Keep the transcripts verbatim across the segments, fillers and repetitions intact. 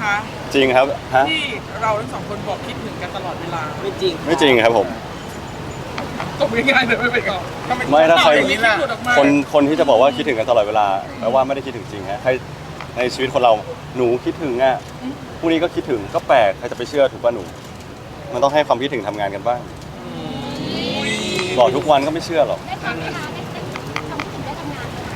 คะจริงครับฮะที่เราทั้งสองคนบอกคิดถึงกันตลอดเวลาไม่จริงไม่จริงครับผมตบง่ายๆเลยไม่เป็นไรไม่ถ้าใครอย่างนี้ล่ะคนคนที่จะบอกว่าคิดถึงกันตลอดเวลาแปลว่าไม่ได้คิดถึงจริงฮะใครในชีวิตคนเราหนูคิดถึงอ่ะพรุ่งนี้ก็คิดถึงก็แปลกใครจะไปเชื่อถูกป่ะหนูมันต้องให้ความคิดถึงทำงานกันบ้างบอกทุกวันก็ไม่เชื่อหรอกได้ทำไหมคะได้ทำถึงได้ทำงานไหม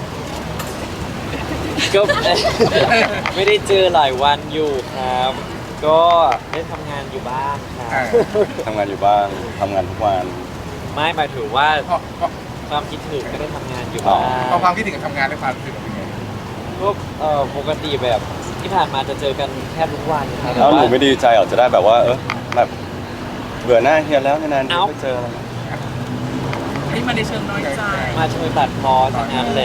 ก็ ไม่ได้เจอหลายวันอยู่ครับ ก็ได้ทำงานอยู่บ้างครับทำงานอยู่บ้างทำงานทุกวันไม่หมายถึงว่าเพราะเพราะความคิดถึงก็ได้ทำงานอยู่บ้างเพราะความคิดถึงกับทำงานและความรู้สึกเป็นไงก็เอ่อปกติแบบที่ผ่านมาจะเจอกันแทบทุกวันครับแล้วหนูต่าไม่ดีใจหรอจะได้แบบว่าเออแบบเบื่อหน้าเฮียแล้วนานๆเอ้าไม่เจออะไรนี่มันในเชิงน้อยใจมาช่วยตัดพอทั้งนั้นแหละ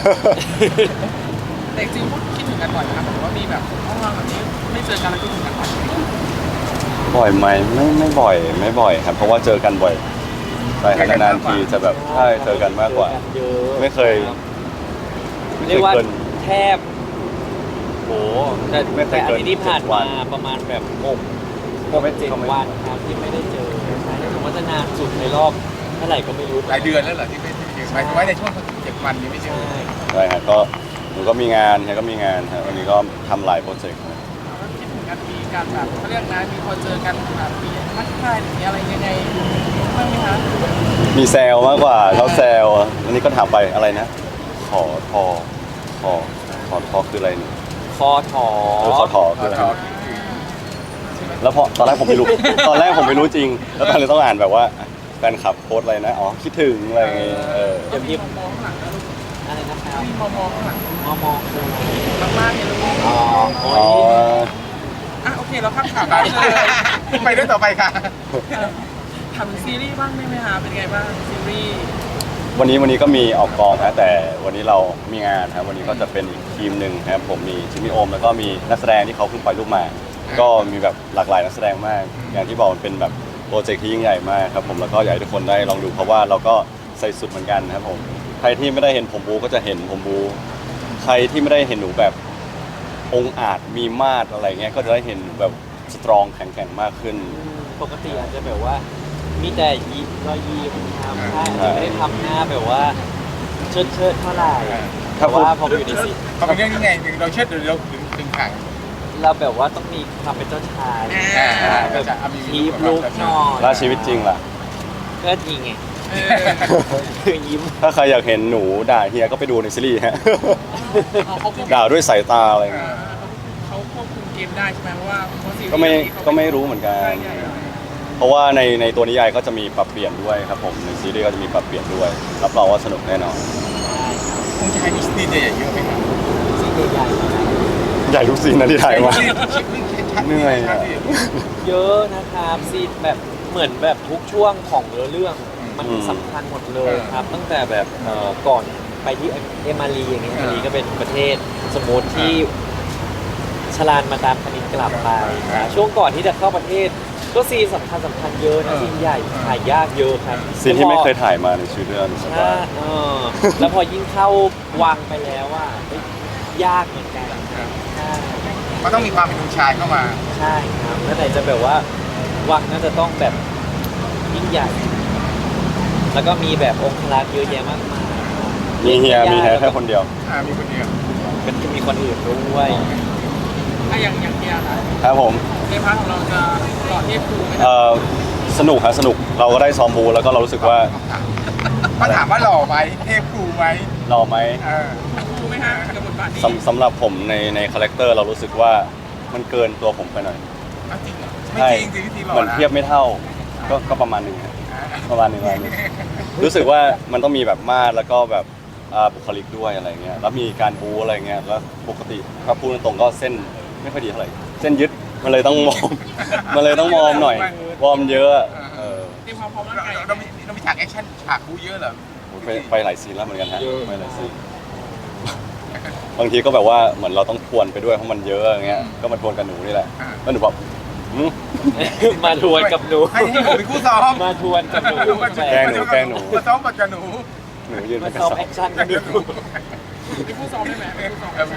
แต่จริงๆพวกคิดถึงกันบ่อยนะครับแต่ว่ามีแบบห้องเราแบบนี้ไม่เจอกันแล้วคิดถึงกันบ่อยบ่อยไหมไม่ไม่บ่อยไม่บ่อยครับเพราะว่าเจอกันบ่อยใช่ครับนานๆทีจะแบบใช่เจอกันมากกว่าเจอกันเยอะไม่เคยครับไม่เคเรียยกว่าเกินแทบโหแต่ไม่เคแต่ยอาเกินทิตย์ที่ผ่านเจ็ดวัมาน ประมาณแบบหกก็ไม่เจ็ดก็ไม่วันครับที่ไม่ได้เจอใช่แต่ว่าจะนานสุดในรอบเท่าไหร่ก็ไม่รู้หลายเดือนแล้วเหรอที่ไม่เจอหมายถึงว่าในช่วงเจ็ดวันนี้ไม่เจอใช่ใช่ครับก็หนูก็มีงานเฮียก็มีงานครับวันนี้ก็ทำหลายโปรเจกต์ครับแล้วคิดถึงกันมีการแบบเขาเรียกนะมีพอเจอกันแบบมีทักทายหรือมีอะไรยังไงบ้างไหมคะมีแซวมากกว่าเขาแซวอันนี้ก็ถามไปอะไรนะขอทอขอขอทอคืออะไรเนี่ยคอถอเออขอทอคืออะไรแล้วพอตอนแรกผมไม่รู้ ตอนแรกผมไม่รู้จริง แล้วตอนนี้ต้องอ่านแบบว่าแฟนคลับโพสต์อะไรนะอ๋อคิดถึงอะไรอย่างเงี้ยเออก็มีมองมองข้างหลังนะลูกอะไรนะครับมีมองมองข้างหลังมอมอคืออะไรมากๆเนี่ยลูกอ๋อโอ้อ๋อยอ่ะโอเคเราข้ามข่าวไปไปเลยไปเรื่องต่อไปค่ะทำซีรีส์บ้างได้ไหมคะเป็นไงบ้างซีรีส์วันนี้วันนี้ก็มีออกกองนะแต่วันนี้เรามีงานครับวันนี้ก็จะเป็นอีกทีมหนึ่งครับผมมีชิมิโอมแล้วก็มีนักแสดงที่เขาเพิ่งปล่อยรูปมา ก็มีแบบหลากหลายนักแสดงมาก อย่างที่บอกมันเป็นแบบโปรเจกต์ที่ยิ่งใหญ่มากครับผมแล้วก็อยากให้ทุกคนได้ลองดูเพราะว่าเราก็ใส่สุดเหมือนกันครับผมใครที่ไม่ได้เห็นผมบูก็จะเห็นผมบูใครที่ไม่ได้เห็นหนูแบบองค์อาจมีมาดอะไรเงี้ยก็จะได้เห็นแบบสตรองแข็งแกร่งมากขึ้นปกติอาจจะแบบว่ามีแต่ยิ้มรอยยิ้มครับอ่าใช่อาจจะไม่ได้ทำหน้าแบบว่าเชิดเชิดๆเท่าไหร่อ่าแต่ว่าพอไปอยู่ในซีพอเป็นเรื่องนี้ไงเราเชิดหรือเราถึงถึงขังเราแบบว่าต้องมีความเป็นเจ้าชายอ่าแบบจะเอามีคีบลูกหน่อยแล้วชีวิตจริงล่ะก็จริงไงเออคือยิ้มถ้าใครอยากเห็นหนูด่าเฮียก็ไปดูในซีรีส์ฮะเอาเขาควบด่าด้วยสายตาอะไรเงี้ยเขาควบคุมเกมได้ใช่ไหมเพราะว่าเพราะซีรีส์ก็ไม่เขาก็ไม่รู้เหมือนกันใช่ใช่ใช่เพราะว่าในในตัวนิยายก็จะมีปรับเปลี่ยนด้วยครับผมในซีรีส์ก็จะมีปรับเปลี่ยนด้วยรับรองว่าสนุกแน่นอนคงจะให้มีสตีนใหญ่ๆเยอะไหมครับซีนใหญ่ๆนะครับใหญ่ทุกซีนนะที่ถ่ายมา เหนื่อยอะเยอะนะครับซีนแบบเหมือนแบบทุกช่วงของเนื้อเรื่องมันอืมสำคัญหมดเลยครับ ตั้งแต่แบบเอ่อก่อนไปที่เอมารีอย่างเงี้ยเอมารีก็เป็นประเทศสมมติที่ชลานมาตามคณิตกลับไปนะช่วงก่อนที่จะเข้าประเทศ ก็ซีนสำคัญสำคัญเยอะนะซีนใหญ่ถ่ายยากเยอะครับซีนที่ไม่เคยถ่ายมาในชีวิตเรื่องใช่เออแล้วพอยิ่งเข้าวังไปแล้วว่าเฮ้ยยากเหมือนกันใช่มันต้องมีความเป็นผู้ชายเข้ามาใช่ครับแล้วไหนจะแบบว่าวังน่าจะต้องแบบยิ่งใหญ่ แล้วก็มีแบบองค์รักษ์เยอะแยะมากมายมีเฮียมีแค่แค่คนเดียวอ่ามีคนเดียวเป็นจะมีคนอื่นด้วยอ่ะอย่างอย่างเดียวนะครับผมในพาร์ทของเราจะหล่อเทพครูไหมคเอ่รับอสนุกครับสนุกเราก็ได้ซ้อมบูแล้วก็เรารู้สึกว่ามาถามว่าหล่อไหมเทพครูไหมรอไหมเออครูไหมฮะกับบทบาทนี้สำสำหรับผมในในคาแรคเตอร์เรารู้สึกว่ามันเกินตัวผมไปหน่อยเอาจริงเหรอไม่จริงจริงที่หล่อเหมือนนะเทียบไม่เท่าก็ก็ประมาณหนึ่งครับอ่าประมาณหนึ่งประมาณหนึ่งรู้สึกว่ามันต้องมีแบบมาดแล้วก็แบบอ่าบุคลิกด้วยอะไรเงี้ยแล้วมีการบูอะไรเงี้ยแล้วปกติถ้าพูดตรงๆก็เส้นไม่ค่อยดีเท่าไหร่เส้นยึดมันเลยต้องมอม มันเลยต้องมอมหน่อยวอร์มเยอะเออเตรียมความพร้อมร่างเรากายเรามีเรามีฉากแอคชั่นฉากบูเยอะเหรอไปไปหลายซีนแล้วเหมือนกันฮะไปหลายซีนบางทีก็แบบว่าเหมือนเราต้องทวนไปด้วยเพราะมันเยอะอย่างเงี้ยก็มาทวนกับหนูนี่แหละแล้วหนูแบบหืมมาทวนกับหนูให้ให้ผมเป็นคู่ซ้อมมาทวนกับหนูแกล้งหนูแกล้งหนูมาซ้อมกับหนูหนูยืนมาเป็นกระซ้อมสอบแอคชั่นกันดูมีผู้ซ้อมได้ไหมมีผู้ซ้อมแอคชั่นได้ไหม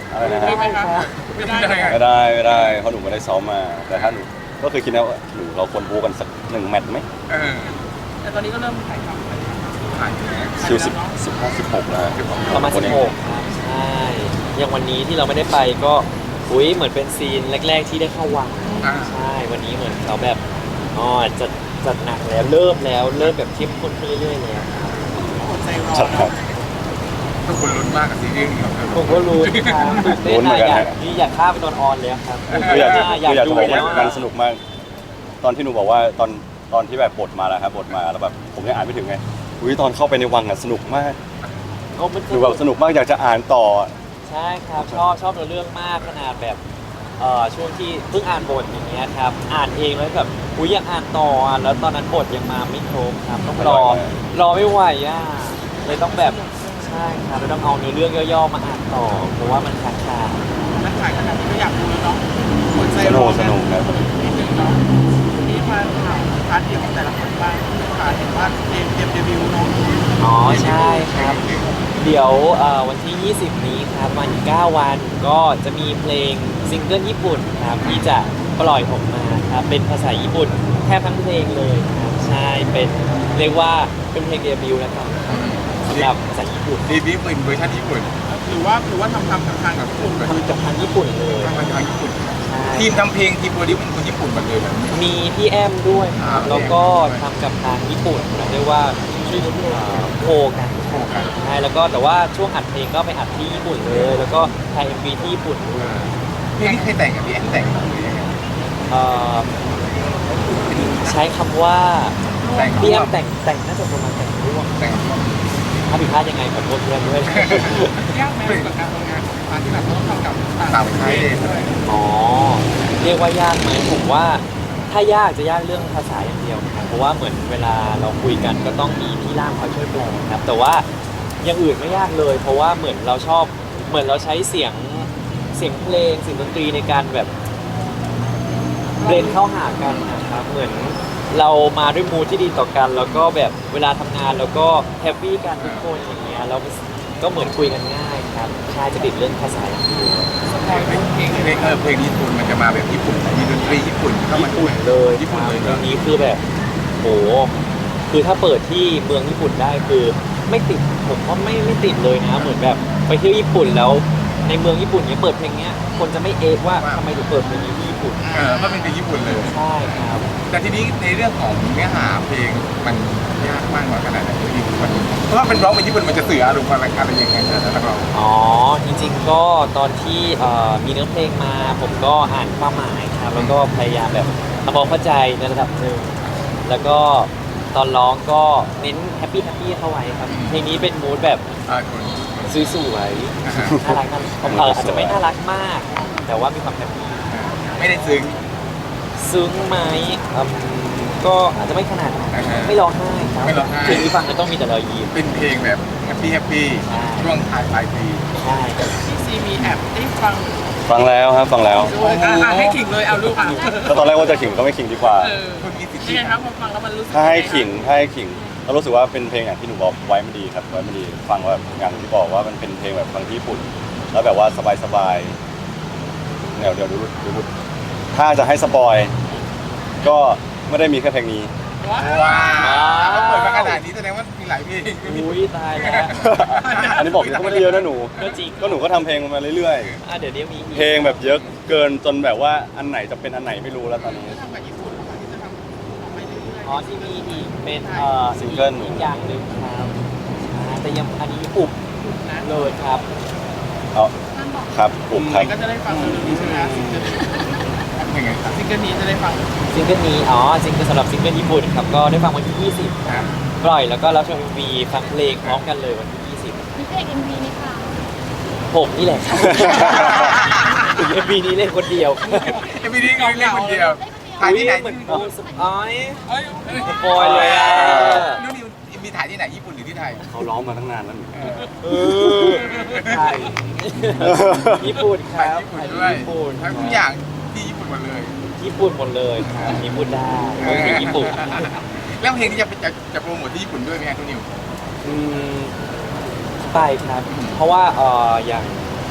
อะไรนะได้ฮะไหมคะไม่ได้เลยไม่ได้ไม่ได้เพราะหนูไม่ได้ซ้อมมา แต่ถ้าหนูก็เคยคิดนะว่าหนูเราควรบูกันสักหนึ่งแมตช์ไหมเออแต่ตอนนี้ก็เริ่มถ่ายทำไปแล้วผ่านแล้วคิวสิบสิบห้าสิบหกนะฮะประมาณสิบหกครับใช่อย่างวันนี้ที่เราไม่ได้ไปก็อุ้ยเหมือนเป็นซีนแรก ๆ ที่ได้เข้าวังอ่าใช่วันนี้เหมือนเขาแบบอ๋อจะจัดหนักแล้วเริ่มแล้วเริ่มแบบเข้มข้นขึ้นเรื่อยๆแล้วครับอดใจรอชัดครัเนาะบทุกคนลุ้นมากกับซีรีส์นี้ของเธอผมก็รู้ครับตื่นเต้ลุ้นนเหมืนะอนกันอยากฮะนี่อยากข้ามไปตอนออนเลยครับคืออยากจะอยากคืออยากดูจะบอกแล้ว่าว มันสนุกมาก ตอนที่หนูบอกว่าตอนตอนที่แบบบทมาแล้วครับบทมาแล้วแบบผมยังอ่านไม่ถึงไงอุ้ยตอนเข้าไปในวังอ่ะสนุกมากโอ้มันคือแบบสนุกมากอยากจะอ่านต่อใช่ครับชอบชอบเรื่องมากขนาดแบบเอ่อช่วงที่เพิ่งอ่านบทอย่างเงี้ยครับอ่านเองแล้วแบบอุ้ยอยากอ่านต่ออ่ะแล้วตอนนั้นบทยังมาไม่ครบครับต้องรอรอไม่ไหวอ่ะเลยต้องแบบใช่ครับเลยต้องเอาเนื้อเรื่องย่อๆมาอ่านต่อเพราะว่ามันค้างคานักถ่ายขนาดนี้ก็อยากดูแล้วเนาะอดใจสรนุอกสนุกครับนิดนึงเนาะนี่มาถามพาร์ทเดียวของแต่ละคนบ้างค่ะเห็นว่าเกมเกมเดบิวต์เนาะอ๋อใช่ครับ เดี๋ยวเอ่อวันที่ ยี่สิบ นี้ครับวันเก้าวันก็จะมีเพลงซิงเกิลญี่ปุ่นครับที่จะปล่อยออกมาครับเป็นภาษาญี่ปุ่นแทบทั้งเพลงเลยครับใช่เป็นเรียกว่าเป็นเพลงเดบิวต์แล้วกันสำหรับภาษาญี่ปุ่นดีบีเป็นเวอร์ชันญี่ปุ่นหรือว่าหรือว่าทำทำทำทางกับกลุ่มแบบทำกับทางญี่ปุ่นเลยทำมาจากญี่ปุ่นใช่ทีมทำเพลงทีมโปรดิวเป็นคนญี่ปุ่นหมดเลยแบบนี้มีพี่แอมด้วยครับอ่าแล้วก็ทำกับทางญี่ปุ่นเรียกว่าชื่อเอ่อโคกันโคกันใช่แล้วก็แต่ว่าช่วงอัดเพลงก็ไปอัดที่ญี่ปุ่นเลย แล้วก็ถ่าย เอ็ม วี ที่ญี่ปุ่นด้วยเพลงนี้ใครแต่งกับพี่แอนแต่งหรือยังไงเอ่อใช้คำว่าแต่งพี่แอมแต่งแต่งน่าจะประมาณแต่งร่วมแต่งถ้าผิดพลาดยังไงขอโทษพี่แอมด้วยยากไหมกับการทำงานของพาร์ทที่แบบต้องทำกับต่างประเทศด้วยอ๋อเรียกว่ายากไหมผมว่าถ้ายากจะยากเรื่องภาษาอย่างเดียวครับเพราะว่าเหมือนเวลาเราคุยกันก็ต้องมีพี่ล่ามคอยช่วยแปลครับแต่ว่าอย่างอื่นไม่ยากเลย เพราะว่าเหมือนเราชอบเหมือนเราใช้เสียงเสียงเพลงเสียงดนตรีในการแบบเบรนเข้าหากันนะครับเหมือนเรามาด้วยมูดที่ดีต่อกัน แล้วก็แบบเวลาทำงานแล้วก็แฮปปี้กันทุกคนอย่างเงี้ยเราก็เหมือนคุยกันง่ายครับใช่จะติดเรื่องภาษาอย่างเดียวเพลงเพลงเพลงเออเพลงญี่ปุ่นมันจะมาแบบญี่ปุ่นมีดนตรีญี่ปุ่นเข้ามาญี่ด้วปุ่ยนเลยญี่ปุ่นเลยเรื่เนาะองนี้คือแบบโหคือถ้าเปิดที่เมืองญี่ปุ่นได้คือไม่ติดผมว่าไม่ไม่ติดเลยนะเหมือนแบบไปเที่ยวญี่ปุ่นแล้วในเมืองญี่ปุ่นเนี้ยเปิดเพลงเนี้ยคนจะไม่เอะว่าทำไมถึงเปิดเพลงนี้ที่ญี่ปุ่นเออเพราะเป็นเพลงญี่ปุ่นเลยใช่ครับแต่ทีนี้ในเรื่องของเนื้อหาเพลงมันยากมากน้อยขนาดไหนที่มันเพราะว่าเป็นร้องเป็นญี่ปุ่นมันจะสื่ออารมณ์อะไรอะไรอย่างเงี้ยนะนักร้องอ๋อจริงๆก็ตอนที่เอ่อมีเนื้อเพลงมา ผมก็อ่านความหมายครับแล้วก็พยายามแบบทำความเข้าใจในระดับหนึ่งแล้วก็ตอนร้องก็เน้นแฮปปี้แฮปปี้เข้าไว้ครับเพลงนี้เป็นมูดแบบอ่าคนสวยๆ น่ารักน่ารักเอออาจจะไม่น่ารักมาก แต่ว่ามีความแฮปปี้ไม่ได้ซึ้งซึ้งไหมอืมก็อาจจะไม่ขนาดนั้นอ่าฮะไม่ร้องไห้ครับไม่ร้องไห้เพลงที่ฟังก็ต้องมีแต่รอยยิ้มเป็นเพลงแบบแฮปปี้แฮปปี้ใช่ช่วงถ่ายปลายปีใช่พี่ซีมีแอบได้ฟังฟังแล้วครับฟังแล้วด้วยอ่ะอ่ะให้ขิงเลยเอาลูกอ่ะก็ตอนแรกว่าจะขิงก็ไม่ขิงดีกว่าเออคนมีสิทธิ์ยังไงครับพอฟังแล้วมันรู้สึกถ้าให้ยังไงขิงถ้าให้ขิงก็รู้สึกว่าเป็นเพลงอย่างที่หนูบอกไว้มันดีครับไว้มันดีฟังแบบอย่างที่บอกว่ามันเป็นเพลงแบบฟังที่ญี่ปุ่น แล้วแบบว่าสบายๆเดี๋ยวเดี๋ยวดูดูดูถ้าจะให้สปอยก็ไม่ได้มีแค่เพลงนี้ว้าวว้าวเขาเปิดมาขนาดนี้แสดงว่ามีหลายเพลงอุ้ยตายแล้วอันนี้บอกก็ไม่ได้เยอะนะหนูก็จริงก็หนูก็ทำเพลงมาเรื่อยอ่ะเดี๋ยวนี้มีอีๆกเพลงแบบเยอะเกินจนแบบว่าอันไหนจะเป็นอันไหนไม่รู้แล้วตอนนี้ทำกับญี่ปุ่นที่จะทำออกไปเรื่อยๆอ๋อที่มีอีกเป็นเอ่อซิงเกิลอีกอย่างหนึ่งครับอ่าแต่ยังอันนี้อุบเลยครับเอาครับผมครับก็จะได้ฟังเร็วๆนี้ใช่ไหมซิงเกิลยังไงซิงเกิลนี้จะได้ฟังซิงเกิลนี้อ๋อซิงเกิลสำหรับซิงเกิลญี่ปุ่นครับก็ได้ฟังวันที่ ยี่สิบครับปล่อยแล้วก็รับชม เอ็ม วี ฟังเพลงพร้อมกันเลยวันที่ ยี่สิบมีเพลงเอ็มวีไหมคะผมนี่แหละครับ เอ็ม วี นี้เล่นคนเดียวเอ็มวีนี้เล่นคนเดียวถ่ายที่ไหนเหมือนที่โอ้สปอยเอ้ยสปอยเลยอ่ะนู่นนี่มีถ่ายที่ไหนญี่ปุ่นหรือที่ไทยเขาร้องมาตั้งนานแล้วหนูเออใช่ญี่ปุ่นคถ่ายรับญี่ปุ่นด้วยญี่ปุ่นทั้งทุกอย่างที่ญี่ปุ่นหมดเลยญี่ปุ่นหมดเลยครับญี่ปุ่นได้เมืองถึงญี่ปุ่นแล้วเพลงที่จะจะจะโปรโมทที่ญี่ปุ่นด้วยไหมครับทุกนิวอืมไปครับ เพราะว่าเอออย่าง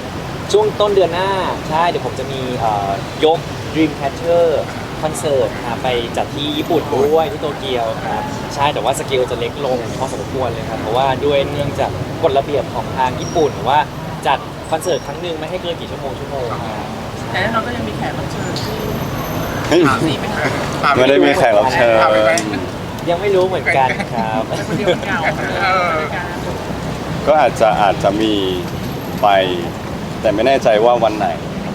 ช่วงต้นเดือนหน้าใช่เดี๋ยวผมจะมีเอ่อยก Dreamcatcher คอนเสิร์ตครับไปจัดที่ญี่ปุ่นด้วยที่โตเกียวครับใช่แต่ว่าสเกลจะเล็กลงพอสมควรเลยครับเพราะว่าด้วยเนื่องจากกฎระเบียบของทางญี่ปุ่นว่าจัดคอนเสิร์ตครั้งหนึ่งไม่ให้เกินกี่ชั่วโมงชั่วโมงครับแต่แน่นอนก็ยังมีแขกรับเชิญที่เฮ้ยสี่ไหมคะไม่ได้มีแขกรับเชิญพาไปไหมยังไม่รู้เหมือนกันครับเป็นคนเดียวเหงาเลยเออในการก็อาจจะอาจจะมีไป แต่ไม่แน่ใจว่าวันไหน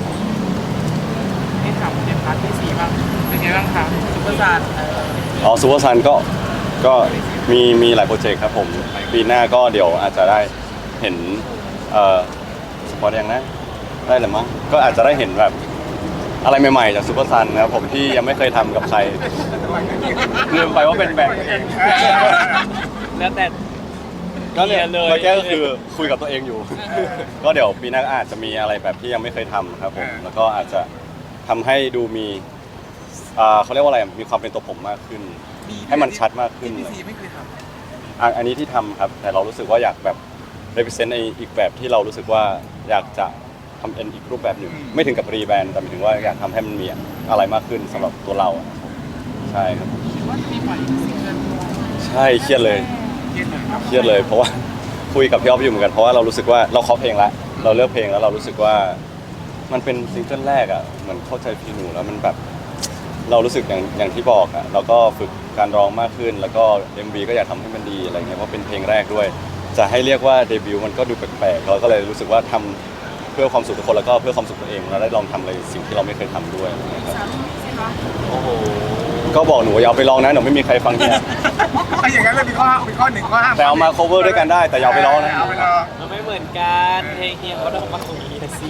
ให้ถามในพาร์ทที่สี่บ้างเป็นไงบ้างคะซุปเปอร์ซาร์เอออ๋อซูเปอร์ซันก็ก็มีมีหลายโปรเจกต์ครับผมปีหน้าก็เดี๋ยวอาจจะได้เห็นเอ่อสปอร์ตยังนะได้หรือมั้งก็อาจจะได้เห็นแบบอะไรใหม่ๆจากซูเปอร์ซันนะครับผมที่ยังไม่เคยทำกับใครลืมไปว่าเป็นแบ่งแล้วแต่ก็เนี่ยเลยเมื่อกี้ก็คือคุยกับตัวเองอยู่ ก็เดี๋ยวปีหน้าอาจจะมีอะไรแบบที่ยังไม่เคยทำครับผมแล้วก็อาจจะทำให้ดูมีอ่าเขาเรียกว่าอะไรมีความเป็นตัวผมมากขึ้น ให้มันชัดมากขึ้นพีเลยซีไม่เคยทอ่ะอันนี้ที่ทำครับแต่เรารู้สึกว่าอยากแบบ represent ในอีกแบบที่เรารู้สึกว่าอยากจะทำเป็นอีกรูปแบบหนึ่งไม่ถึงกับรีแบรนด์แต่หมายถึงว่าอยากทำให้มันมีอะไรมากขึ้นสำหรับตัวเราอะใช่ครับหรือว่าจะมีปล่อยซิงเกิลใช่เครียดเลยำเครียดเลยครับเครียดเลยเพราะว่า คุยกับพี่อ๊อฟอยู่เหมือนกันเพราะว่าเรารู้สึกว่าเราเคาะเพลงละเราเลือกเพลงแล้วเรารู้สึกว่ามันเป็นซิงเกิลแรกอ่ะเหมือนเข้าใจพี่หนูแล้วมันแบบเรารู้สึกอย่างอย่างที่บอกอ่ะเราก็ฝึกการร้องมากขึ้น แล้วก็ เอ็ม วี ก็อยากทำให้มันดีอะไรเงี้ยเพราะเป็นเพลงแรกด้วย จะให้เรียกว่าเดบิวต์มันก็ดูแปลกๆเราก็เลยรู้สึกว่าทำเพื่อความสุขทุกคนแล้วก็เพื่อความสุขตัวเองเราได้ลองทำอะไรสิ่งที่เราไม่เคยทำด้วยนะครับสามใช่ไหมโอ้โหก็บอกหนูอย่าเอาไปลองนะหนูไม่มีใครฟังเนี่ยถ้าอย่างนั้นเลยมีข้อมีข้อหนึ่งข้อห้ามแต่เอามา cover ด้วยกันได้แต่อย่าเอาไปร้องนะเอาไปลองมันไม่เหมือนกันเพลงเฮียเขาต้องมาคุยกันสิ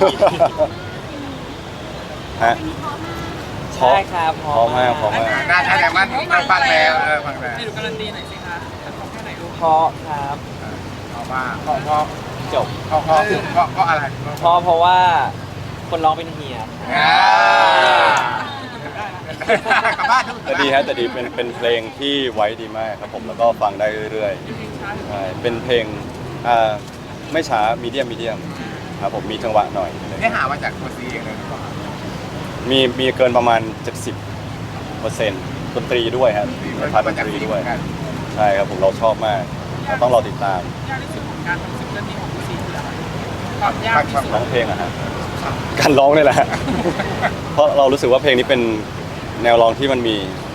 ฮะใช่ครับพร้อมมากพร้อมมากน่าใช่แต่มันเราฟังแล้วเออฟังแล้วให้ดูการันตีหน่อยสิคะของแค่ไหนดูเพราะครับเอามาเพราะเพราะจบเพราะเพราะเพราะเพราะอะไรเพราะเพราะว่าคนร้องเป็นเฮียอ่ากลับบ้านทุกแต่ดีฮะแต่ดีเป็นเป็นเพลงที่ไว้ดีมากครับผมแล้วก็ฟังได้เรื่อยๆใช่เป็นเพลงอ่าไม่ช้ามีเดียมมีเดียมครับผมมีจังหวะหน่อยได้หามาจากตัวซีเองเลยหรือเปล่ามีมีเกินประมาณ เจ็ดสิบเปอร์เซ็นต์ ดนตรีด้วยครับพาร์ทดนตรีด้วยใช่ครับผมเราชอบมากเราต้องรอติดตามยากที่สุดของการทำซิงเกิลนี้ของพี่ซีคืออะไรความยากที่สุดร้องเพลงอะฮะการร้องนี่แหละ เพราะเรารู้สึกว่าเพลงนี้เป็นแนวร้องที่มันมี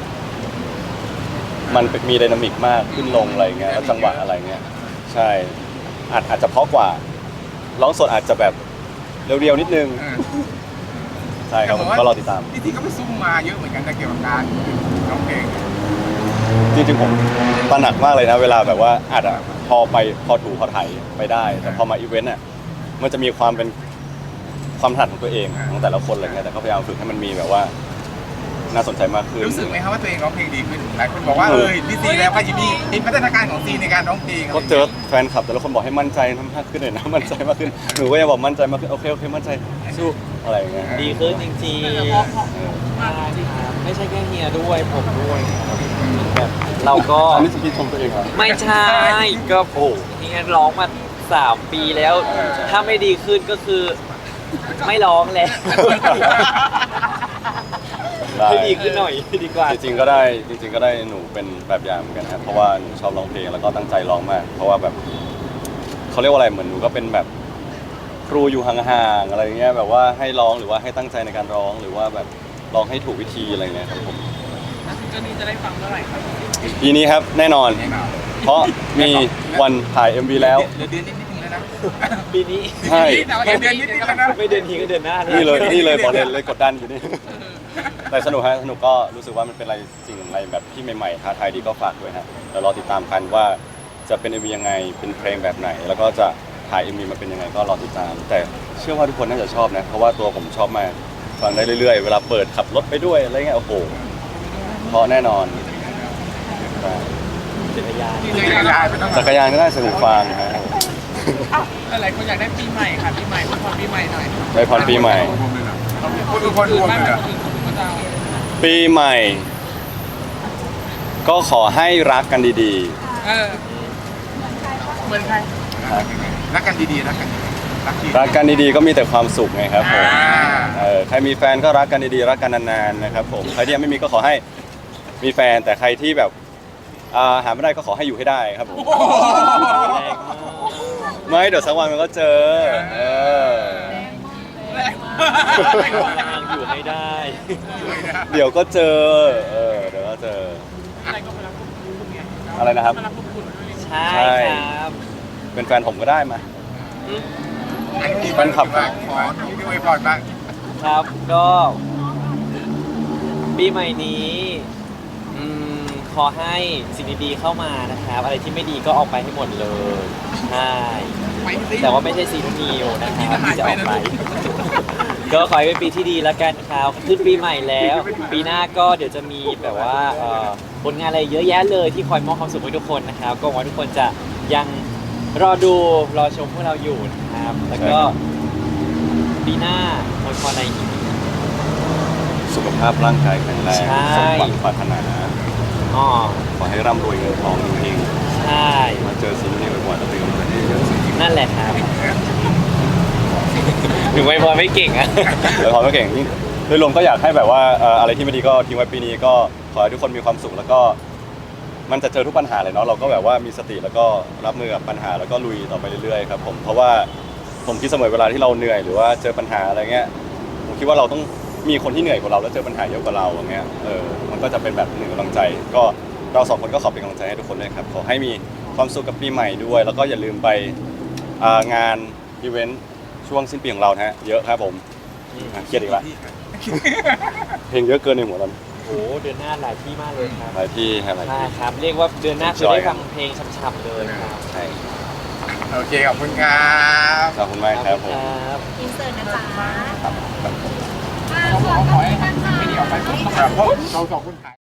มันมีไดนามิกมากขึ้นลงอะไรเงี้ยแล้วจังหวะอะไรเงี้ยใช่อาจอาจจะเพราะกว่าร้องสดอาจจะแบบเรียวๆนิดนึงใช่ครับผมก็รอติดตามพี่ทีก็ไปซุ่มมาเยอะเหมือนกันแต่เกี่ยวกับการร้องเพลงจริงๆผมตระหนักมากเลยนะเวลาแบบว่าอาจจะพอไปพอถูพอไถไปได้ แต่พอมาอีเวนต์อ่ะมันจะมีความเป็นความถนัดของตัวเองของแต่ละคนอะไรเงี้ยแต่ก็พยายามฝึกให้มันมีแบบว่าน่าสนใจมากขึ้นรู้สึกไหมครับว่าตัวเองร้องเพลงดีขึ้นหลายคนบอกว่าเออพี่ซีแล้วก็ยินดีเห็นพัฒนาการของซีในการร้องเพลงก็เจอแฟนคลับแต่ละคนบอกให้มั่นใจมากขึ้นหน่อยนะ มั่นใจมากขึ้นหนูก็ยังบอกมั่นใจมากขึ้นโอเคโอเคมั่นใจสู้อะไรอย่างเงี้ยดีขึ้นจริงแต่ๆเพราะเพราะมากจริงครับไม่ใช่แค่เฮียด้วยผมด้วยครับแบบเราก็อันนี้จะพี่ชมตัวเองเหรอไม่ใช่ก็โอ้เฮียร้องมาสามปีแล้ว ถ้าไม่ดีขึ้นก็คือไม่ร้องแล้วได้ให้ดีขึ้นหน่อยดีกว่าจริงๆก็ได้จริงๆก็ได้หนูเป็นแบบอย่างเหมือนกันนะครับเพราะว่าหนูชอบร้องเพลงแล้วก็ตั้งใจร้องมาก เพราะว่าแบบเขาเรียกว่าอะไรเหมือนหนูก็เป็นแบบครูอยู่ห่างๆอะไรเงี้ยแบบว่าให้ร้องหรือว่าให้ตั้งใจในการร้องหรือว่าแบบร้องให้ถูกวิธีอะไรเงี้ยครับผมๆแล้วซิงเกิลนี้จะได้ฟังเมื่อไหร่ครับปีนี้ครับแน่นอนแน่นอนเพราะมีวันถ่าย เอ็ม วี แล้วเดือนเดือนนิดนึงแล้วนะปีนี้ใช่แต่ว่าเดือนนิดนึงแล้วนะไม่เดือนทีก็เดือนหน้านี่เลยนี่เลยบอกเลยเลยกดดันอยู่นี่ แต่สนุกฮะสนุกก็รู้สึกว่ามันเป็นอะไรสิ่งอะไรแบบที่ใหม่ๆท้าทายดีก็ฝากด้วยฮะเดี๋ยวรอติดตามกันว่าจะเป็น เอ็ม วี ยังไงเป็นเพลงแบบไหน แล้วก็จะถ่าย เอ็ม วี มาเป็นยังไงก็รอติดตาม แต่เชื่อว่าทุกคนน่าจะชอบนะเพราะว่าตัวผมชอบมากฟังได้เรื่อยๆ เวลาเปิดขับรถไปด้วยอะไรเงี้ยโอ้โหเพราะแน่นอนจักรยานจักรยานไม่ต้องจักรยานก็ได้สนุกฟังฮะหลายคนอยากได้ปีใหม่ค่ะปีใหม่พรปีใหม่หน่อยได้พรปีใหม่คนทุกคนรวมไม่เลยแบบเหรอคนอื่นเขาเพิ่งมาเจ้าปีใหม่ ก็ขอให้รักกันดีเออเหมือนใครรักกันดีๆรักกันดีๆรักจริงรักกันดีๆก็มีแต่ความสุขไงครับผมอ่าเออใครมีแฟนก็รักกันดีๆรักกันนานๆนะครับผมใครที่ยังไม่มีก็ขอให้มีแฟนแต่ใครที่แบบอ่าหาไม่ได้ก็ขอให้อยู่ให้ได้ครับผมแรงมากไม่เดี๋ยวสักวันมันก็เจอเออทางอยู่ให้ได้เดี๋ยวก็เจอเออเดี๋ยวก็เจออะไรก็มารับพวกคุณไงอะไรนะครับมารับพวกคุณด้วยใช่ครับเป็นแฟนผมก็ได้มาอันนี้แฟนคลับบ้างขอที่อวยพรบ้างครับก็ปีใหม่นี้อืมขอให้สิ่งดีๆเข้ามานะครับ อะไรที่ไม่ดีก็ออกไปให้หมดเลยใช่แต่ว่าไม่ใช่ซีนูนิวนะครับที่จะออกไป ก็ขอให้เป็นปีที่ดีแล้วกันครับขึ้นปีใหม่แล้ว ปีหน้าก็เดี๋ยวจะมีแบบว่าเอ่อผลงานอะไรเยอะแยะเลยที่คอยมอบความสุขให้ทุกคนนะครับ ก็หวังว่าทุกคนจะยังรอดูรอชมพวกเราอยู่นะครับ แล้วก็ปีหน้าอวยพรอะไรอีกสุขภาาพร่างกายแข็งแรงใช่สมหวังปรารถนาอ๋อขอให้ร่ำรวยเงินทองจริงใช่ๆมาเจอสิ่งนี้บ่อยๆแล้วเป็นกำลังใจให้เยอะนั่นแหละครับถึงไวยพรไม่เก่งอะแล้วพอไม่เก่งยิ่งโดยรวมก็อยากให้แบบว่าเอ่ออะไรที่ไม่ดีก็ทิ้งไว้ปีนี้ก็ขอให้ทุกคนมีความสุขแล้วก็มันจะเจอทุกปัญหาเลยเนาะเราก็แบบว่ามีสติแล้วก็รับมือกับปัญหาแล้วก็ลุยต่อไปเรื่อยๆครับผมเพราะว่าผมคิดเสมอเวลาที่เราเหนื่อยหรือว่าเจอปัญหาอะไรเงี้ยผมคิดว่าเราต้องมีคนที่เหนื่อยกว่าเราแล้วเจอปัญหาเยอะกว่าเราอย่างเงี้ยเออมันก็จะเป็นแบบหนึ่งกำลังใจ ก็เราสองคนก็ขอเป็นกำลังใจให้ทุกคนด้วยครับขอให้มีความสุขกับปีใหม่ด้วย แล้วก็อย่าลืมไปอ่างานอีเวนต์ช่วงสิ้นปีของเรานะฮะเยอะครับผมอ่ะเครียดอีกละเพลงเยอะเกินในหัวตอนโอ้โหเดือนหน้าหลายที่มากเลยครับหลายที่ฮะหลายใช่ที่ครับ เรียกว่าเดือนหน้าคือ Enjoy ได้ฟังเพลงช่ำๆเลยครับใช่โอเคขอบคุณครับขอบคุณมากครับผมครับอินเสิร์ตนะจ๊ะครับอ่าส่วนตอนนี้นะคะครับพวกเราสองคนถ่าย